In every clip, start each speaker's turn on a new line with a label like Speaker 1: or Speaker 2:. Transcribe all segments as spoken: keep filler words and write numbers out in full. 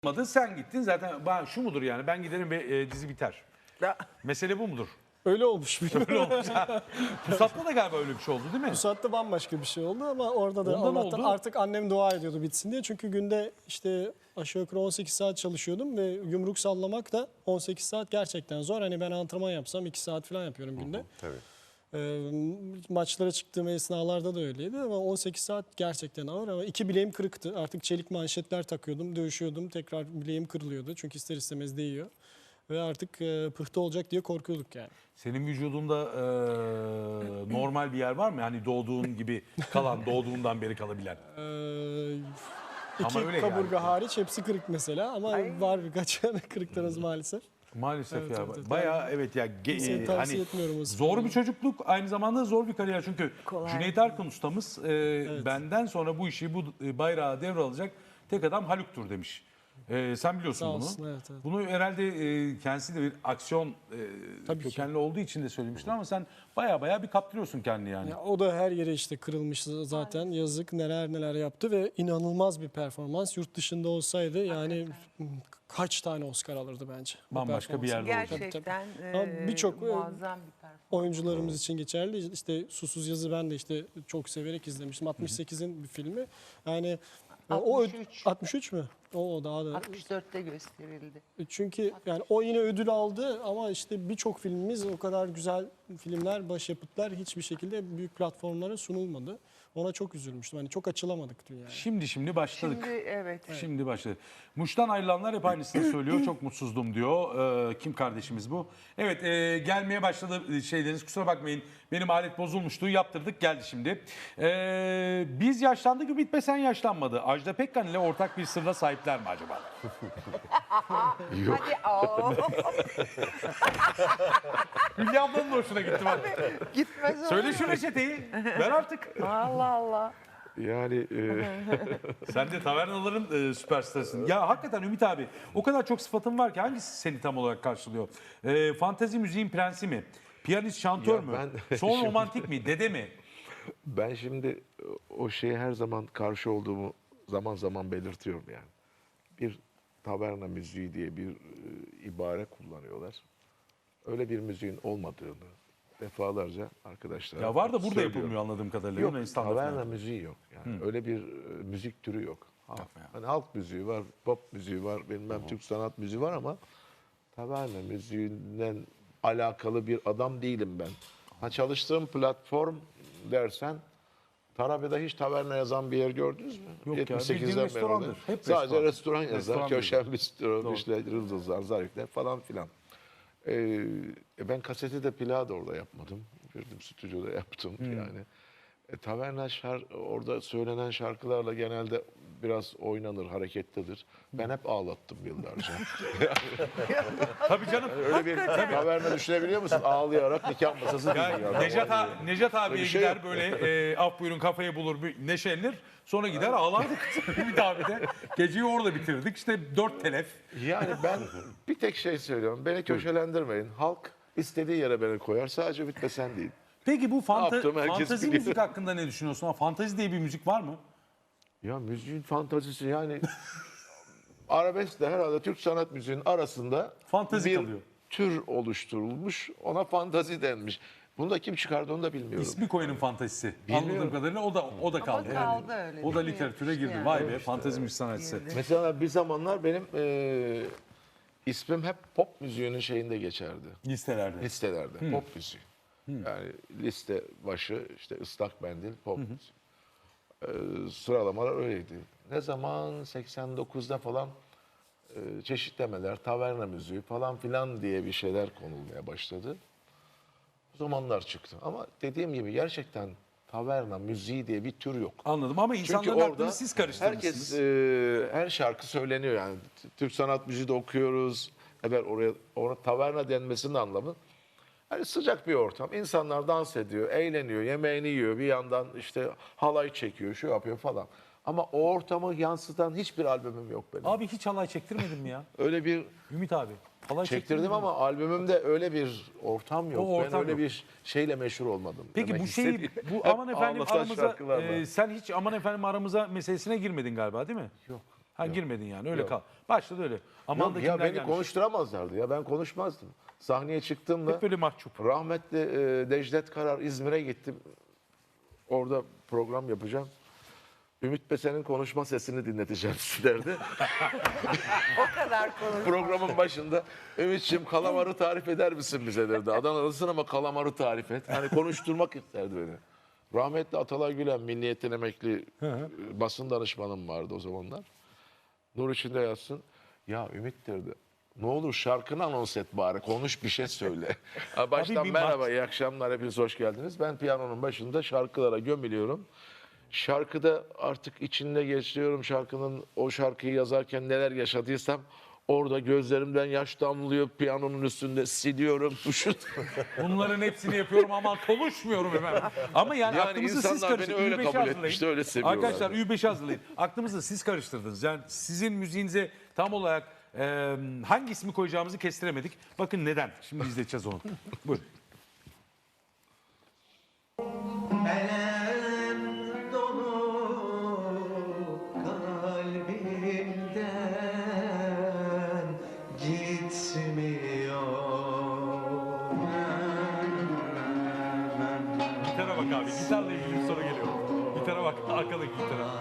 Speaker 1: olmadı. Sen gittin zaten. Ben, şu mudur yani? Ben giderim ve e, dizi biter.
Speaker 2: Ya,
Speaker 1: Mesele bu mudur?
Speaker 3: Öyle olmuş.
Speaker 1: Öyle olmuş. Pusat'ta da galiba öyle bir şey oldu değil mi?
Speaker 3: Bu saatte bambaşka bir şey oldu ama orada da
Speaker 1: Ondan
Speaker 3: Allah'tan
Speaker 1: oldu.
Speaker 3: artık annem dua ediyordu bitsin diye. Çünkü günde işte aşağı yukarı on sekiz saat çalışıyordum ve yumruk sallamak da on sekiz saat gerçekten zor. Hani ben antrenman yapsam iki saat falan yapıyorum günde.
Speaker 2: tabii.
Speaker 3: Ee, maçlara çıktığım esnalarda da öyleydi ama on sekiz saat gerçekten ağır ama iki bileğim kırıktı. Artık çelik manşetler takıyordum, dövüşüyordum. Tekrar bileğim kırılıyordu çünkü ister istemez değiyor. Ve artık e, pıhtı olacak diye korkuyorduk yani.
Speaker 1: Senin vücudunda e, normal bir yer var mı? Hani doğduğun gibi kalan, doğduğundan beri kalabilen.
Speaker 3: Ee,
Speaker 1: Ama
Speaker 3: iki
Speaker 1: öyle
Speaker 3: kaburga
Speaker 1: yani.
Speaker 3: hariç hepsi kırık mesela ama
Speaker 2: Ay.
Speaker 3: var birkaç tane kırıklarınız maalesef.
Speaker 1: Maalesef
Speaker 3: Evet,
Speaker 1: ya.
Speaker 3: evet, evet.
Speaker 1: Bayağı evet ya. ge-
Speaker 3: Kimseye
Speaker 1: e,
Speaker 3: tavsiye
Speaker 1: hani
Speaker 3: etmiyorum o
Speaker 1: zor
Speaker 3: sporu.
Speaker 1: bir çocukluk, aynı zamanda zor bir kariyer. Çünkü
Speaker 2: Kolay
Speaker 1: Cüneyt
Speaker 2: değil.
Speaker 1: Arkın ustamız e, benden sonra bu işi, bu e, bayrağı devralacak tek adam Haluk'tur demiş. E, sen biliyorsun
Speaker 3: Sağ
Speaker 1: bunu.
Speaker 3: olsun, evet, evet.
Speaker 1: Bunu herhalde e, kendisi de bir aksiyon e,
Speaker 3: Tabii ki.
Speaker 1: kökenli olduğu için de söylemiştir ama sen baya baya bir kaptırıyorsun kendini yani.
Speaker 3: Ya o da her yere işte kırılmış zaten. Yazık neler neler yaptı ve inanılmaz bir performans. Yurt dışında olsaydı yani kaç tane Oscar alırdı bence. bu
Speaker 1: Bambaşka bir
Speaker 3: performans.
Speaker 1: yerde olacak.
Speaker 2: Gerçekten
Speaker 3: Ama
Speaker 2: e,
Speaker 3: birçok, e,
Speaker 2: muazzam bir performans.
Speaker 3: Oyuncularımız için geçerli. İşte Susuz Yazı ben de işte çok severek izlemiştim. altmış sekizin bir filmi. Yani e, o
Speaker 2: altmış üç.
Speaker 3: altmış üç mü? O daha da
Speaker 2: altmış dörtte gösterildi.
Speaker 3: Çünkü yani o yine ödül aldı ama işte birçok filmimiz o kadar güzel filmler, başyapıtlar hiçbir şekilde büyük platformlara sunulmadı. Ona çok üzülmüştüm. Hani çok açılamadık dünyaya.
Speaker 1: Şimdi şimdi başladık.
Speaker 2: Şimdi evet.
Speaker 1: Şimdi başladı. Muş'tan ayrılanlar hep aynısını söylüyor. Çok mutsuzdum diyor. Ee, kim kardeşimiz bu? Evet e, gelmeye başladı şeyleriniz. Kusura bakmayın. Benim alet bozulmuştu. Yaptırdık geldi şimdi. Ee, biz yaşlandık mı bitmesen yaşlanmadı. Ajda Pekkan ile ortak bir sırra sahipler mi acaba?
Speaker 2: Hadi aa.
Speaker 1: Hülya ablanın da hoşuna gitti bak.
Speaker 2: Gitmez olur
Speaker 1: Söyle
Speaker 2: mu?
Speaker 1: şu reçeteyi. Ver artık.
Speaker 2: Allah Allah.
Speaker 4: Yani e,
Speaker 1: Sen de tavernaların e, süperstarısın. Ya hakikaten Ümit abi o kadar çok sıfatın var ki hangisi seni tam olarak karşılıyor? E, fantezi müziğin prensi mi? Piyanist, şantör
Speaker 4: Ya
Speaker 1: mü?
Speaker 4: ben-
Speaker 1: Son
Speaker 4: Şimdi-
Speaker 1: romantik mi? Dede mi?
Speaker 4: ben şimdi o şeye her zaman karşı olduğumu zaman zaman belirtiyorum yani. Bir taverna müziği diye bir e, ibare kullanıyorlar. Öyle bir müziğin olmadığını defalarca arkadaşlara
Speaker 1: Ya var da burada
Speaker 4: söylüyorum.
Speaker 1: yapılmıyor anladığım kadarıyla.
Speaker 4: Yok,
Speaker 1: Yunanistan
Speaker 4: taverna
Speaker 1: falan.
Speaker 4: müziği yok. Yani öyle bir e, müzik türü yok. Ha,
Speaker 1: Yapma ya.
Speaker 4: hani halk müziği var, pop müziği var, bilmem Türk sanat müziği var ama taverna müziğinden alakalı bir adam değilim ben. Ha, çalıştığım platform dersen Tarabya'da hiç taverna yazan bir yer gördünüz mü?
Speaker 1: Yok ya,
Speaker 4: yetmiş sekizden
Speaker 1: bildiğin
Speaker 4: beri
Speaker 1: restorandır.
Speaker 4: orada.
Speaker 1: Hep
Speaker 4: Sadece
Speaker 1: restoran.
Speaker 4: restoran yazar,
Speaker 1: Restoran
Speaker 4: köşen bistro,
Speaker 1: Doğru.
Speaker 4: işte yıldızlar, zarifler falan filan. Ee, e, ben kaseti de plağı da orada yapmadım. Girdim stüdyoda yaptım
Speaker 1: Hmm.
Speaker 4: yani. E, taverna şar orada söylenen şarkılarla genelde biraz oynanır, hareketlidir. Ben hep ağlattım yıllarca.
Speaker 1: Tabii canım.
Speaker 4: Öyle bir taverna düşünebiliyor musun? Ağlayarak nikah masası
Speaker 1: Ya,
Speaker 4: dinliyor.
Speaker 1: Nejat, a- Nejat abiye
Speaker 4: Öyle bir şey
Speaker 1: gider
Speaker 4: yok.
Speaker 1: böyle e, af buyurun kafayı bulur bir neşelenir. Sonra gider ağlardık Ümit abi de. Geceyi orada bitirdik. İşte dört telef.
Speaker 4: Yani ben bir tek şey söylüyorum. Beni köşelendirmeyin. Halk istediği yere beni koyar. Sadece bitmesen değil.
Speaker 1: Peki bu fanta-
Speaker 4: yaptığımı herkes
Speaker 1: fantezi
Speaker 4: biliyor.
Speaker 1: müzik hakkında ne düşünüyorsun? Ha, fantezi diye bir müzik var mı?
Speaker 4: Ya müziğin fantazisi yani arabeskle herhalde Türk sanat müziğinin arasında
Speaker 1: Fantezi
Speaker 4: bir
Speaker 1: kalıyor.
Speaker 4: tür oluşturulmuş. Ona fantazi denmiş. Bunu da kim çıkardı onu da bilmiyorum.
Speaker 1: İsmi koyanın fantezisi.
Speaker 4: Bilmiyorum.
Speaker 1: Anladığım kadarıyla o da o da kaldı.
Speaker 2: kaldı öyle,
Speaker 1: O da
Speaker 2: değil mi?
Speaker 1: literatüre girdi.
Speaker 2: Yani.
Speaker 1: Vay be fantezi müzik sanatçısı.
Speaker 2: Girdi.
Speaker 4: Mesela bir zamanlar benim eee, ismim hep pop müziğinin şeyinde geçerdi.
Speaker 1: Listelerde.
Speaker 4: Listelerde pop müziği. Yani liste başı işte ıslak mendil pop müziği. Ee, sıralamalar öyleydi. Ne zaman seksen dokuzda falan e, çeşitlemeler, taverna müziği falan filan diye bir şeyler konulmaya başladı. O zamanlar çıktı. Ama dediğim gibi gerçekten taverna müziği diye bir tür yok.
Speaker 1: Anladım ama
Speaker 4: Çünkü
Speaker 1: insanların
Speaker 4: orada
Speaker 1: aklını siz karıştırmışsınız.
Speaker 4: herkes e, her şarkı söyleniyor yani. T- Türk sanat müziği de okuyoruz. Evet oraya ona taverna denmesinin anlamı. Hani sıcak bir ortam. İnsanlar dans ediyor, eğleniyor, yemeğini yiyor. Bir yandan işte halay çekiyor, şu yapıyor falan. Ama o ortamı yansıtan hiçbir albümüm yok benim.
Speaker 1: Abi hiç halay çektirmedin mi ya?
Speaker 4: Öyle bir
Speaker 1: Ümit abi. Halay çektirmedin
Speaker 4: çektirdim
Speaker 1: mi?
Speaker 4: ama albümümde öyle bir ortam yok.
Speaker 1: O ortam
Speaker 4: ben öyle
Speaker 1: yok.
Speaker 4: bir şeyle meşhur olmadım.
Speaker 1: Peki
Speaker 4: demek
Speaker 1: bu şeyi,
Speaker 4: istediğim.
Speaker 1: bu
Speaker 4: Hep
Speaker 1: aman efendim
Speaker 4: ağlatan
Speaker 1: aramıza,
Speaker 4: şarkılarla.
Speaker 1: e, sen hiç aman efendim aramıza meselesine girmedin galiba değil mi?
Speaker 4: Yok.
Speaker 1: Ha girmedin yani öyle
Speaker 4: Yok.
Speaker 1: kal. Başladı öyle. Aman
Speaker 4: Yok
Speaker 1: da
Speaker 4: ya
Speaker 1: kimler
Speaker 4: beni
Speaker 1: gelmiş.
Speaker 4: konuşturamazlardı ya ben konuşmazdım. Sahneye çıktığımda
Speaker 1: Hep böyle mahcup.
Speaker 4: rahmetli e, Necdet Karar İzmir'e gittim. Orada program yapacağım. Ümit Besen'in konuşma sesini dinleteceğim sizlerde.
Speaker 2: O kadar konu.
Speaker 4: Programın başında Ümit'ciğim kalamarı tarif eder misin bize derdi. Adanalısın ama kalamarı tarif et. Hani konuşturmak isterdi beni. Rahmetli Atalay Gülen, Milliyet'ten emekli e, basın danışmanım vardı o zamanlar. Nur içinde yatsın. Ya Ümit derdi. Ne olur şarkını anons et bari. Konuş bir şey söyle. Ha, Baştan
Speaker 1: bir
Speaker 4: merhaba,
Speaker 1: bak-
Speaker 4: iyi akşamlar. Hepiniz hoş geldiniz. Ben piyanonun başında şarkılara gömülüyorum. Şarkıda artık içinde geçiyorum şarkının, o şarkıyı yazarken neler yaşadıysam orada gözlerimden yaş damlıyor, piyanonun üstünde siliyorum tuşu.
Speaker 1: Bunların hepsini yapıyorum ama konuşmuyorum hemen. Ama yani,
Speaker 4: Yani
Speaker 1: aklımızı siz
Speaker 4: insanlar beni
Speaker 1: karıştırdınız.
Speaker 4: öyle
Speaker 1: Ü beşi
Speaker 4: kabul
Speaker 1: hazırlayın.
Speaker 4: etmişti, öyle seviyorlar.
Speaker 1: Arkadaşlar Ü beşi hazırlayın. Aklımızı siz karıştırdınız. Yani sizin müziğinize tam olarak e, hangi ismi koyacağımızı kestiremedik. Bakın neden. Şimdi izleyeceğiz onu. Buyurun.
Speaker 5: Elem dolu kalbimden gitmiyor.
Speaker 1: Gitara bak abi. Gitarla ilgili bir soru geliyor. Gitara bak. Arkadaki gitara.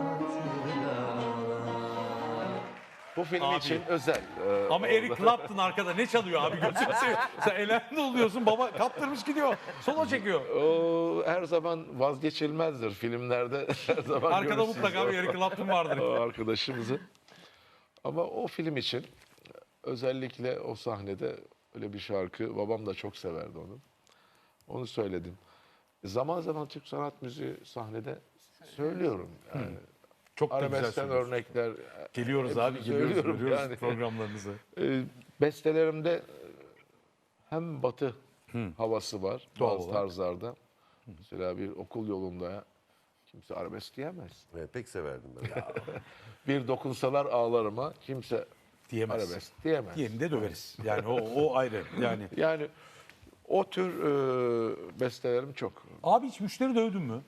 Speaker 4: Bu film
Speaker 1: Abi.
Speaker 4: için özel. Ee,
Speaker 1: Ama Eric Clapton arkada ne çalıyor abi? Gözünü seveyim. Sen elendi oluyorsun. Baba kaptırmış gidiyor. Solo çekiyor.
Speaker 4: O her zaman vazgeçilmezdir filmlerde. Her zaman
Speaker 1: Arkada
Speaker 4: görürsünüz
Speaker 1: mutlaka bir Eric Clapton vardır.
Speaker 4: o arkadaşımızı. Ama o film için özellikle o sahnede öyle bir şarkı, babam da çok severdi onu. Onu söyledim. Zaman zaman Türk sanat müziği sahnede söylüyorum. Yani
Speaker 1: Çok da güzel
Speaker 4: arabeskten
Speaker 1: söylüyorsun.
Speaker 4: örnekler.
Speaker 1: Geliyoruz
Speaker 4: hepsini
Speaker 1: abi. Geliyoruz.
Speaker 4: söylüyorum
Speaker 1: Görüyoruz
Speaker 4: yani.
Speaker 1: programlarınızı.
Speaker 4: E, bestelerimde hem batı havası var
Speaker 1: Doğal
Speaker 4: bazı
Speaker 1: olarak.
Speaker 4: tarzlarda. Mesela bir okul yolunda kimse arabesk diyemez.
Speaker 6: Evet, pek severdim ben.
Speaker 4: Bir dokunsalar ağlarıma kimse
Speaker 1: Diyemez.
Speaker 4: arabesk diyemez.
Speaker 1: Diğerini de döveriz. Yani o, o ayrı. Yani.
Speaker 4: Yani o tür e, bestelerim çok.
Speaker 1: Abi hiç müşteri dövdün mü?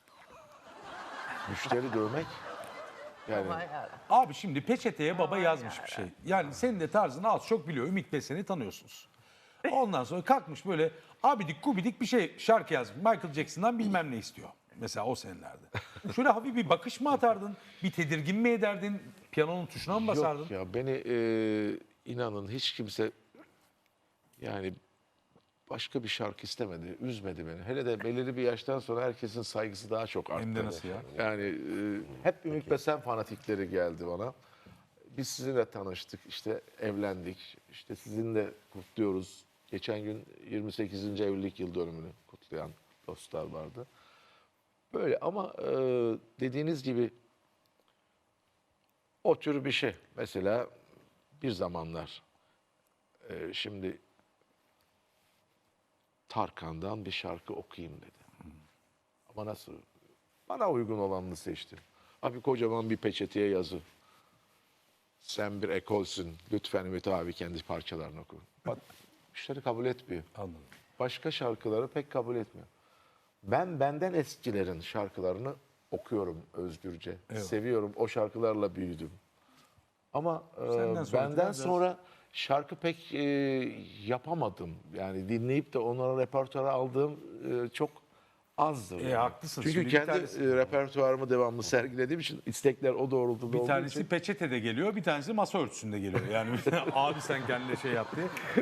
Speaker 4: Müşteri dövmek. Yani
Speaker 2: Aman yarabbim.
Speaker 1: Abi şimdi peçeteye baba yazmış bir şey. Yani senin de tarzını az çok biliyor. Ümit Besen'i tanıyorsunuz. Ondan sonra kalkmış böyle abidik gubidik bir şey şarkı yazmış. Michael Jackson'dan bilmem ne istiyor. Mesela o senelerde. Şöyle hafif bir bakış mı atardın? Bir tedirgin mi ederdin? Piyanonun tuşuna mı basardın?
Speaker 4: yok ya beni e, inanın hiç kimse yani başka bir şarkı istemedi, üzmedi beni. Hele de belirli bir yaştan sonra herkesin saygısı daha çok arttı.
Speaker 1: Hem de nasıl ya?
Speaker 4: Yani e, hep Ümit Besen fanatikleri geldi bana. Biz sizinle tanıştık, işte evlendik, işte sizinle kutluyoruz. Geçen gün yirmi sekizinci evlilik yıl dönümünü kutlayan dostlar vardı. Böyle ama e, dediğiniz gibi o tür bir şey. Mesela bir zamanlar e, şimdi Tarkan'dan bir şarkı okuyayım dedi. Ama nasıl? Bana uygun olanını seçtim. Abi kocaman bir peçeteye yazı. Sen bir ekolsün. Lütfen Ümit abi kendi parçalarını oku. Bak müşteri kabul etmiyor.
Speaker 1: Anladım.
Speaker 4: Başka şarkıları pek kabul etmiyor. Ben benden eskilerin şarkılarını okuyorum özgürce. Seviyorum. O şarkılarla büyüdüm. Ama e,
Speaker 1: Senden sonra
Speaker 4: benden
Speaker 1: biraz-
Speaker 4: sonra şarkı pek e, yapamadım. Yani dinleyip de onlara repertuara aldığım e, çok azdır.
Speaker 1: E,
Speaker 4: yani.
Speaker 1: haklısın.
Speaker 4: Çünkü
Speaker 1: Şimdi bir
Speaker 4: kendi
Speaker 1: tanesi-
Speaker 4: e, repertuarımı devamlı sergilediğim için istekler o doğrultuda
Speaker 1: Bir
Speaker 4: olduğu
Speaker 1: tanesi
Speaker 4: için
Speaker 1: peçetede geliyor, bir tanesi masa örtüsünde geliyor. Yani abi sen kendine şey yap diye.